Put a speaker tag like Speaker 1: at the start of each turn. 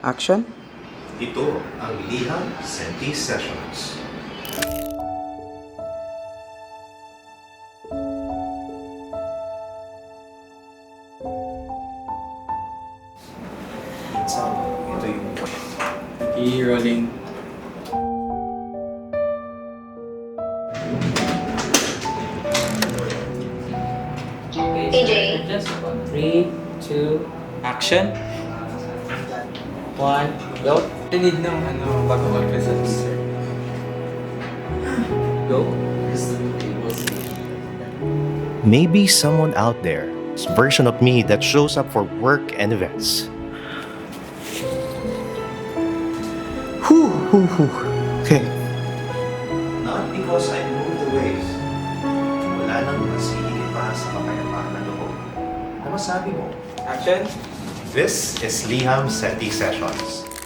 Speaker 1: Action?
Speaker 2: Ito ang Liham Senti Sessions. Minsan, ito yung
Speaker 3: I-rolling.
Speaker 4: AJ.
Speaker 3: Just 3, 2, action. 1, go. I need ng bago mag-present, sir. Go.
Speaker 2: Maybe someone out there's version of me that shows up for work and events. Okay. Not because I moved away. Wala nang masihigit pa sa kapayapaan ng loob. Ano masabi mo?
Speaker 3: Action.
Speaker 2: This is Liham Senti Sessions.